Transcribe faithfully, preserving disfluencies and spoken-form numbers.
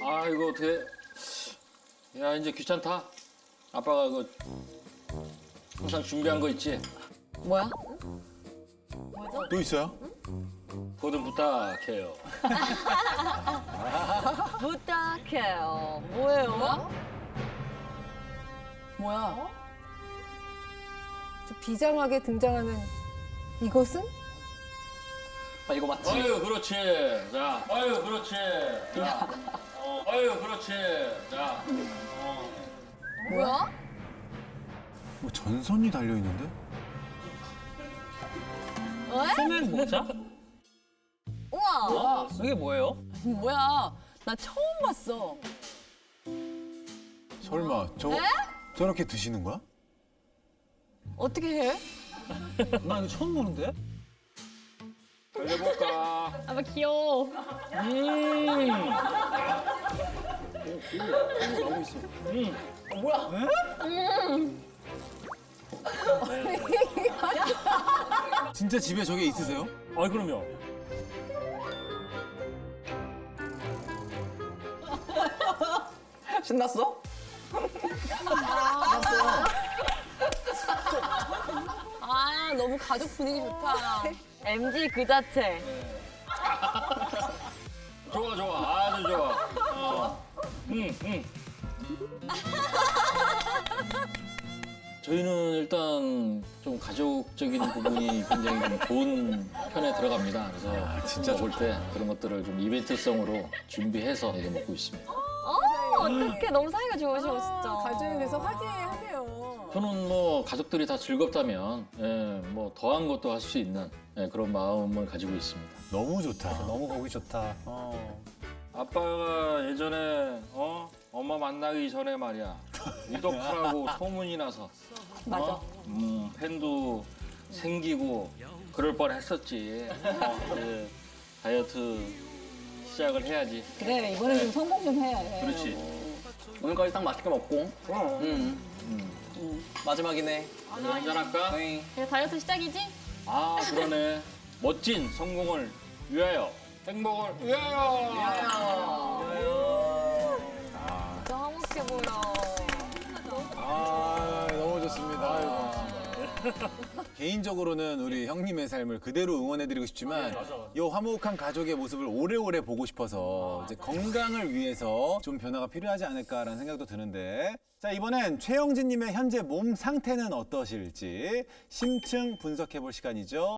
아 이거 어떻게? 야 이제 귀찮다. 아빠가 그 항상 준비한 거 있지? 뭐야? 또 있어요? 뭐든 부탁해요. 부탁해요. 뭐예요? 뭐야? 저 비장하게 등장하는 이것은? 아, 이거 맞지? 아유 그렇지. 자, 아유 그렇지. 자, 어, 아유 그렇지. 자, 어. 뭐야? 뭐 전선이 달려 있는데? 소면 모자? 우와! 이게 뭐예요? 뭐야? 나 처음 봤어. 설마 저 저렇게 드시는 거야? 어떻게 해? 나 이거 처음 보는데? 달려볼까? 아빠 귀여워. 음. 나오고 있어. 진짜 집에 저게 있으세요? 아이 그럼요. 신났어? 아, 너무 가족 분위기 좋다. 엠지 그 자체. 좋아 좋아 아주 좋아. 어. 응 응. 저희는 일단 좀 가족적인 부분이 굉장히 좀 좋은 편에 들어갑니다. 그래서 진짜 먹을 때 그런 것들을 좀 이벤트성으로 준비해서 이게 먹고 있습니다. 어떡해. 너무 사이가 좋으시고, 진짜. 가족이 돼서 화기애애하네요. 저는 뭐 가족들이 다 즐겁다면 예, 뭐 더한 것도 할 수 있는 예, 그런 마음을 가지고 있습니다. 너무 좋다. 너무 보기 좋다. 어. 아빠가 예전에 어 엄마 만나기 전에 말이야 위독하라고 소문이 나서 맞아. 어? 음, 팬도 생기고 그럴 뻔했었지. 어, 이제 다이어트 시작을 해야지. 그래, 이번엔 좀 성공 좀 해. 그렇지. 오늘까지 딱 맛있게 먹고. 응. 음. 마지막이네. 오늘 한잔 할까? 네. 그래, 다이어트 시작이지? 아 그러네. 멋진 성공을 위하여 행복을 위하여. 진짜 화목해 보여. 아 너무 좋습니다. 개인적으로는 우리 형님의 삶을 그대로 응원해드리고 싶지만 이 화목한 가족의 모습을 오래오래 보고 싶어서 이제 건강을 위해서 좀 변화가 필요하지 않을까라는 생각도 드는데 자 이번엔 최영진님의 현재 몸 상태는 어떠실지 심층 분석해볼 시간이죠.